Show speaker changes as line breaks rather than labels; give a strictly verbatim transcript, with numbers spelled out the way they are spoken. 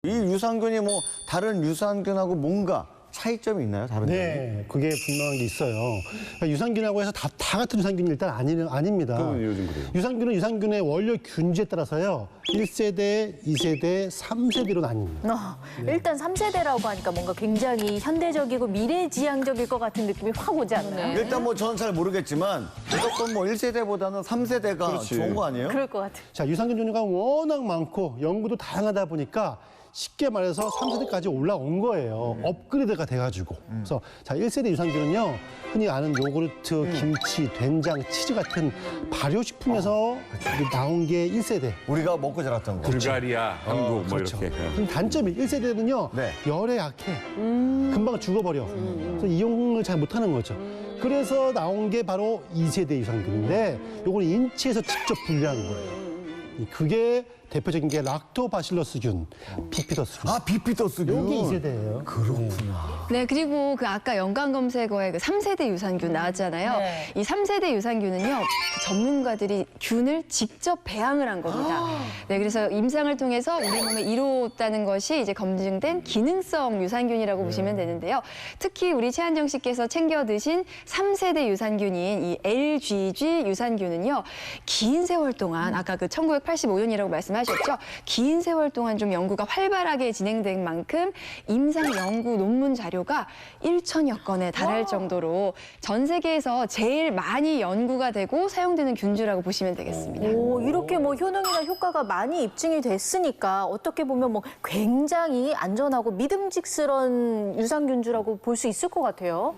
이 유산균이 뭐 다른 유산균하고 뭔가 차이점이 있나요? 다른 점이?
네, 그게 분명한 게 있어요. 그러니까 유산균하고 해서 다, 다 같은 유산균이 일단 아니, 아닙니다.
그건 요즘 그래요.
유산균은 유산균의 원료 균지에 따라서요. 일 세대, 이 세대, 삼 세대로 나뉩니다.
어, 일단 삼 세대라고 하니까 뭔가 굉장히 현대적이고 미래지향적일 것 같은 느낌이 확 오지 않나요?
일단 뭐 저는 잘 모르겠지만 무조건 뭐 일 세대보다는 삼 세대가
그렇지.
좋은 거 아니에요?
그럴 것 같아요.
자, 유산균 종류가 워낙 많고 연구도 다양하다 보니까 쉽게 말해서 삼 세대까지 올라온 거예요. 업그레이드가 돼가지고. 그래서 자, 일 세대 유산균은요. 흔히 아는 요구르트, 김치, 된장, 치즈 같은 발효식품에서 이게 나온 게 일 세대.
우리가 먹고 자랐던 거.
불가리아, 한국 뭐
그렇죠.
이렇게.
그럼 단점이 일 세대는요.
네.
열에 약해. 금방 죽어버려. 그래서 이용을 잘 못하는 거죠. 그래서 나온 게 바로 이 세대 유산균인데 요거는 인체에서 직접 분리한 거예요. 그게 대표적인 게 락토바실러스균, 비피더스균.
아, 비피더스균.
요게 이 세대예요.
그렇구나.
네, 그리고 그 아까 연관 검색어에 그 삼 세대 유산균 나왔잖아요.
네.
이 삼 세대 유산균은요, 그 전문가들이 균을 직접 배양을 한 겁니다. 네, 그래서 임상을 통해서 우리 몸에 이롭다는 것이 이제 검증된 기능성 유산균이라고 보시면 되는데요. 특히 우리 최한정 씨께서 챙겨 드신 삼 세대 유산균인 이 엘지지 유산균은요, 긴 세월 동안 아까 그 천구백팔십오 년이라고 말씀하셨죠. 긴 세월 동안 좀 연구가 활발하게 진행된 만큼 임상 연구 논문 자료가 천여 건에 달할 정도로 전 세계에서 제일 많이 연구가 되고 사용되는 균주라고 보시면 되겠습니다.
오, 이렇게 뭐 효능이나 효과가 많이 입증이 됐으니까 어떻게 보면 뭐 굉장히 안전하고 믿음직스러운 유산균주라고 볼 수 있을 것 같아요.